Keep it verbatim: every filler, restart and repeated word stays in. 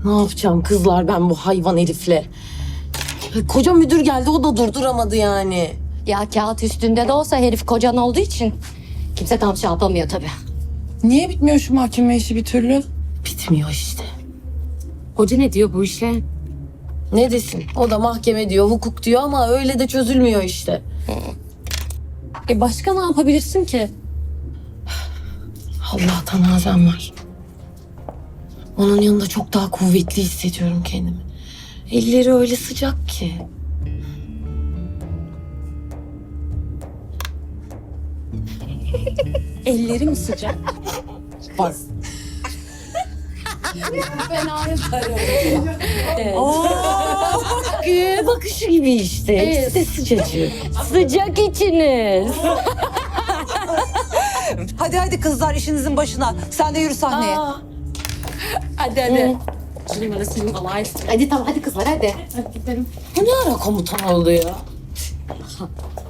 Ne yapacağım kızlar ben bu hayvan herifle? Koca müdür geldi o da durduramadı yani. Ya kağıt üstünde de olsa herif kocan olduğu için kimse tam şey yapamıyor tabii. Niye bitmiyor şu mahkeme işi bir türlü? Bitmiyor işte. Hoca ne diyor bu işe? Ne desin? O da mahkeme diyor, hukuk diyor ama öyle de çözülmüyor işte. E başka ne yapabilirsin ki? Allah'tan Azem var. Onun yanında çok daha kuvvetli hissediyorum kendimi. Elleri öyle sıcak ki. Ellerim sıcak. Bak. Gül bakışı gibi işte. İkisi de sıcacık. Sıcak içiniz. Hadi hadi kızlar işinizin başına. Sen de yürü sahneye. Aa, Hadi hadi. Hadi tamam hadi kızlar hadi. bu ne ara komutan oldu ya?